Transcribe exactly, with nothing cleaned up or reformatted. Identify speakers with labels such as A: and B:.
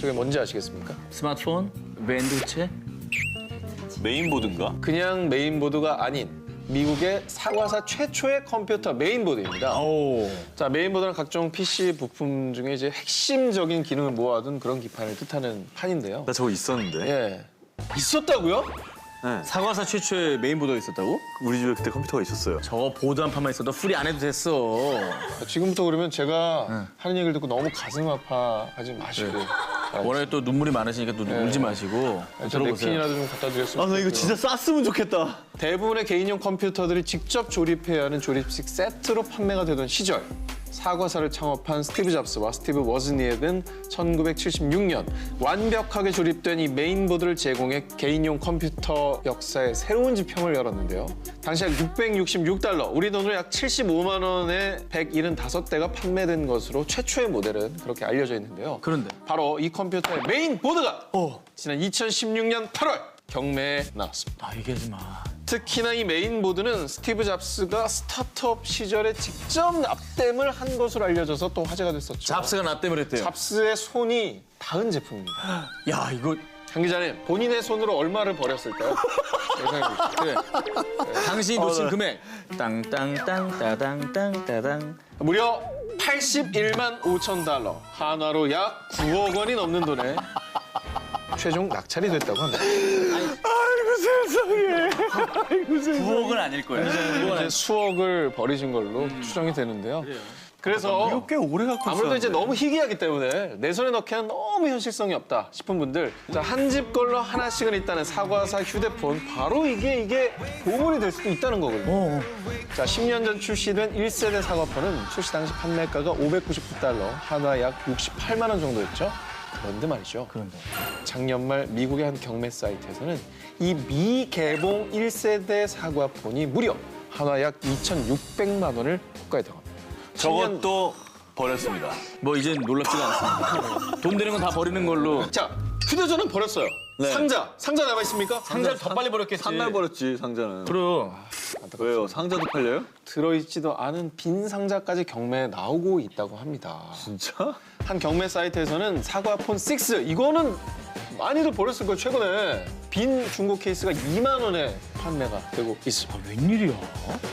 A: 저게 뭔지 아시겠습니까?
B: 스마트폰? 밴드체?
C: 메인보드인가?
A: 그냥 메인보드가 아닌 미국의 사과사 최초의 컴퓨터 메인보드입니다.
B: 오.
A: 자, 메인보드는 각종 피씨 부품 중에 이제 핵심적인 기능을 모아둔 그런 기판을 뜻하는 판인데요.
C: 나 저거 있었는데.
A: 예. 있었다고요?
C: 네.
B: 사과사 최초의 메인보드가 있었다고?
C: 우리 집에 그때 컴퓨터가 있었어요.
B: 저거 보드 한 판만 있어도 풀이 안 해도 됐어.
A: 지금부터 그러면 제가 하는 얘기를 듣고 너무 가슴 아파하지 마시고.
B: 워낙에 또 눈물이 많으시니까 또 울지 마시고
A: 저
B: 들어보세요.
A: 냅킨이라도 좀 갖다 드렸으면
C: 아, 나 이거
A: 좋겠고요.
C: 진짜 쌌으면 좋겠다.
A: 대부분의 개인용 컴퓨터들이 직접 조립해야 하는 조립식 세트로 판매가 되던 시절 사과사를 창업한 스티브 잡스와 스티브 워즈니액은 천구백칠십육 년 완벽하게 조립된 이 메인보드를 제공해 개인용 컴퓨터 역사의 새로운 지평을 열었는데요. 당시 약 육백육십육 달러, 우리 돈으로 약 칠십오만 원에 백칠십오 대가 판매된 것으로 최초의 모델은 그렇게 알려져 있는데요.
B: 그런데
A: 바로 이 컴퓨터의 메인보드가 지난 이천십육 년 팔월 경매에 나왔습니다.
B: 아 얘기하지 마.
A: 특히나 이 메인보드는 스티브 잡스가 스타트업 시절에 직접 납땜을 한 것으로 알려져서 또 화제가 됐었죠.
B: 잡스가 나 때문에 했대요.
A: 잡스의 손이 닿은 제품입니다.
B: 야 이거
A: 장 기자님, 본인의 손으로 얼마를 버렸을까요? 예상해 보시죠.
B: 그래. 당신이 놓친 금액. 땅땅땅 따당 따당.
A: 무려 팔십일만 오천 달러, 한화로 약 구억 원이 넘는 돈에 최종 낙찰이 됐다고 합니다.
C: 아이고 세상에. 아이고 세상에.
B: 구억은 아닐 거야.
A: 이제 수억을 버리신 걸로 추정이 되는데요. 그래서
C: 이거 꽤 오래 갖고
A: 아무래도 이제
C: 있었는데.
A: 너무 희귀하기 때문에 내 손에 넣기에는 너무 현실성이 없다 싶은 분들, 한 집 걸로 하나씩은 있다는 사과사 휴대폰, 바로 이게 이게 보물이 될 수도 있다는 거거든요. 자, 십 년 전 출시된 일 세대 사과폰은 출시 당시 판매가가 오백구십구 달러, 한화 약 육십팔만 원 정도였죠. 그런데 말이죠.
B: 그런데.
A: 작년 말 미국의 한 경매 사이트에서는 이 미개봉 일 세대 사과폰이 무려 한화 약 이천육백만 원을 호가에 당합니다.
C: 저것도 버렸습니다.
B: 뭐 이젠 놀랍지가 않습니다. 돈 되는 건 다 버리는 걸로.
A: 자, 휴대전화는 버렸어요. 상자, 상자 남아 있습니까?
B: 상자를 더 빨리 버렸겠지.
C: 상날 버렸지, 상자는.
B: 그럼.
C: 왜요? 상자도 팔려요?
A: 들어있지도 않은 빈 상자까지 경매에 나오고 있다고 합니다.
C: 진짜?
A: 한 경매 사이트에서는 사과폰 육, 이거는 많이들 버렸을 거예요, 최근에. 빈 중고 케이스가 이만 원에 판매가 되고 있습니다.
B: 웬일이야?